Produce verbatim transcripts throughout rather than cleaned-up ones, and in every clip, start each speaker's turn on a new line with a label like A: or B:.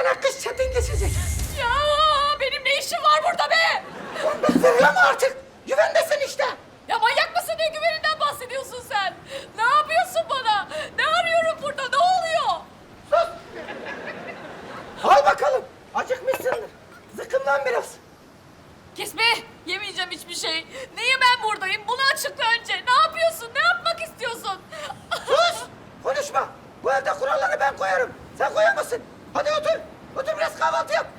A: sana kız çetin geçecek.
B: Ya benim ne işim var burada be?
A: Fırlama artık. Güvendesin işte.
B: Ya manyak mısın, ne güveninden bahsediyorsun sen? Ne yapıyorsun bana? Ne arıyorum burada, ne oluyor?
A: Sus. Al bakalım. Acıkmışsındır. Zıkkımlan biraz.
B: Kes be, yemeyeceğim hiçbir şey. Niye ben buradayım? Bunu açıkla önce. Ne yapıyorsun, ne yapmak istiyorsun?
A: Sus. Konuşma. Bu evde kuralları ben koyarım. Sen koyamazsın. Hadi otur. Otur biraz kahvaltı yap.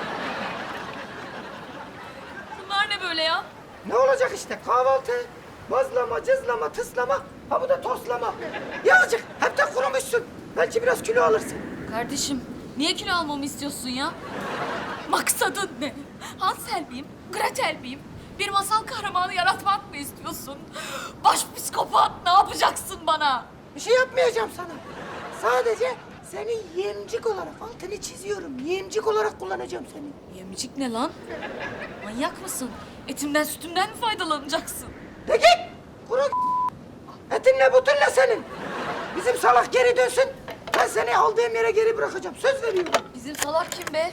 B: Bunlar ne böyle ya?
A: Ne olacak işte kahvaltı. Bazlama, cızlama, tıslama. Ha bu da toslama. Ya azıcık. Hep de kurumuşsun. Belki biraz kilo alırsın.
B: Kardeşim, niye kilo almamı istiyorsun ya? Maksadın ne? Hansel miyim? Gretel miyim? Bir masal kahramanı yaratmak mı istiyorsun? Baş psikopat, ne yapacaksın bana?
A: Bir şey yapmayacağım sana. Sadece seni yemcik olarak altını çiziyorum. Yemcik olarak kullanacağım seni.
B: Yemcik ne lan? Manyak mısın? Etimden sütümden mi faydalanacaksın?
A: De git. Kuru etinle butunla senin. Bizim salak geri dönsün. Ben seni aldığım yere geri bırakacağım. Söz veriyorum.
B: Bizim salak kim be?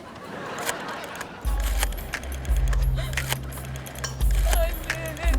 B: Anne.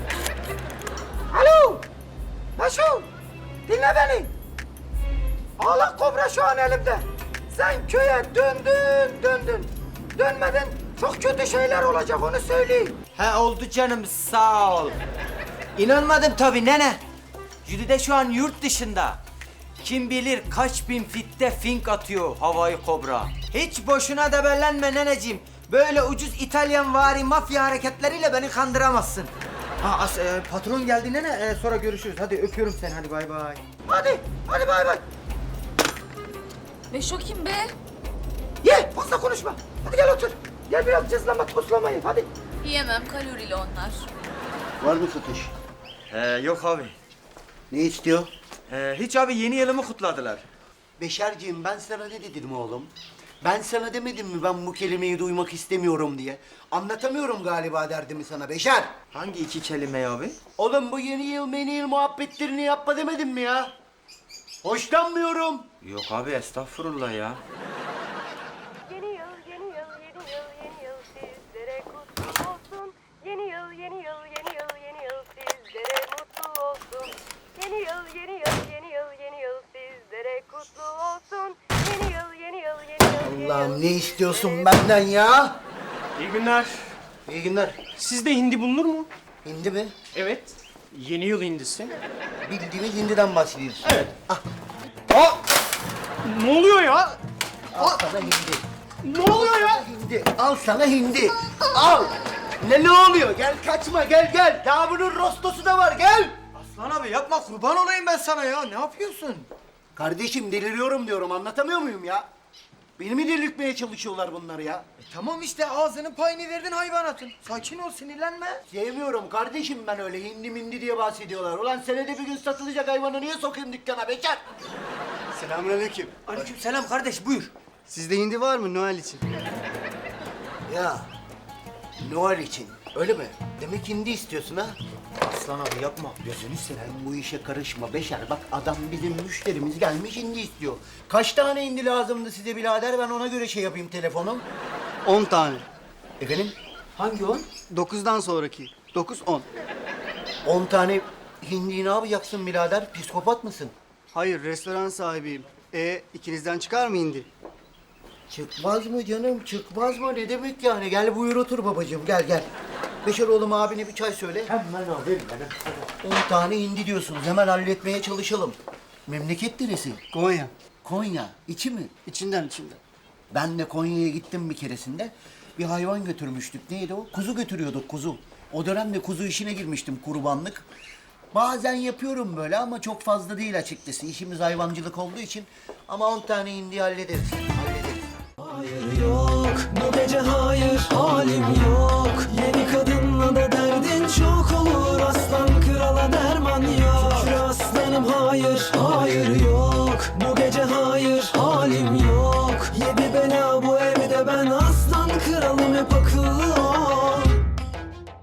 A: Alo. Maşo. Dinle beni. Ağlak kobra şu an elimde. Sen köye döndün döndün. Dönmedin çok kötü şeyler olacak onu söyleyeyim.
C: He oldu canım sağ ol. İnanmadım tabii nene. Jülide şu an yurt dışında. Kim bilir kaç bin fitte fink atıyor havai kobra. Hiç boşuna debellenme neneciğim. Böyle ucuz İtalyan vari mafya hareketleriyle beni kandıramazsın. Ha as, e, patron geldi nene e, sonra görüşürüz. Hadi öpüyorum seni hadi bay bay.
A: Hadi hadi bay bay.
B: Beşo kim be?
A: Ye fazla konuşma. Hadi gel otur. Gel biraz cızlama toslama ye hadi.
B: Yiyemem, kalorili onlar.
D: Var mı satış?
C: He yok abi.
D: Ne istiyor?
C: He, hiç abi yeni yılımı kutladılar.
D: Beşerciğim ben sana ne dedim oğlum? Ben sana demedim mi ben bu kelimeyi duymak istemiyorum diye? Anlatamıyorum galiba derdimi sana Beşer.
C: Hangi iki kelime abi?
D: Oğlum bu yeni yıl meni yıl muhabbetlerini yapma demedim mi ya? Hoşlanmıyorum.
C: Yok abi estağfurullah ya.
E: Yeni yıl, yeni yıl, yeni yıl, yeni yıl sizlere kutlu olsun. Yeni yıl, yeni yıl, yeni yıl, yeni yıl sizlere mutlu olsun. Yeni yıl, yeni yıl, yeni yıl, yeni yıl sizlere kutlu olsun. Yeni yıl, yeni yıl, yeni yıl, yeni yıl.
D: Allah'ım ne istiyorsun benden ya?
F: İyi günler.
D: İyi günler.
F: Sizde hindi bulunur mu?
D: Hindi mi?
F: Evet. Yeni yıl hindisi.
D: Bildiğimiz hindiden bahsediyorsun.
F: Evet. Aa! Ne oluyor ya?
D: Al sana hindi.
F: Ne oluyor ya?
D: Hindi. Al sana hindi. Al. Ne ne oluyor? Gel kaçma gel gel. Daha bunun rostosu da var gel.
C: Aslan abi yapma kurban olayım ben sana ya. Ne yapıyorsun?
D: Kardeşim deliriyorum diyorum anlatamıyor muyum ya? Beni mi delirtmeye çalışıyorlar bunlar ya?
C: E, tamam işte ağzının payını verdin hayvanatın. Sakin ol sinirlenme.
D: Sevmiyorum kardeşim ben öyle hindi mindi diye bahsediyorlar. Ulan senede bir gün satılacak hayvanı niye sokayım dükkana bekar?
G: Selamünaleyküm.
C: Aleyküm selam kardeş buyur.
G: Sizde hindi var mı Noel için?
D: Ya Noel için öyle mi? Demek hindi istiyorsun ha?
C: Aslan abi yapma.
D: Gözünü seveyim bu işe karışma Beşer. Bak adam bizim müşterimiz gelmiş hindi istiyor. Kaç tane hindi lazımdı size birader ben ona göre şey yapayım telefonum.
G: On tane.
D: Efendim?
C: Hangi on?
G: Dokuzdan sonraki. Dokuz, on.
D: On tane hindi ne yapacaksın birader? Psikopat mısın?
G: Hayır, restoran sahibiyim. E ikinizden çıkar mı hindi?
D: Çıkmaz mı canım? Çıkmaz mı? Ne demek yani? Gel buyur otur babacığım. Gel gel. Beşer oğlum abine bir çay söyle. Hemen alayım ben. On tane hindi diyorsunuz. Hemen halletmeye çalışalım. Memleket neresi?
G: Konya.
D: Konya. İçi mi?
G: İçinden içinden.
D: Ben de Konya'ya gittim bir keresinde. Bir hayvan götürmüştük. Neydi o? Kuzu götürüyorduk kuzu. O dönemde kuzu işine girmiştim kurbanlık. Bazen yapıyorum böyle ama çok fazla değil açıkçası. İşimiz hayvancılık olduğu için. Ama on tane hindi hallederiz. Hallederiz.
H: Hayır yok, bu gece hayır, halim yok. Yeni kadınla da derdin çok olur. Aslan krala derman yok. Şükür aslanım hayır, hayır yok. Bu gece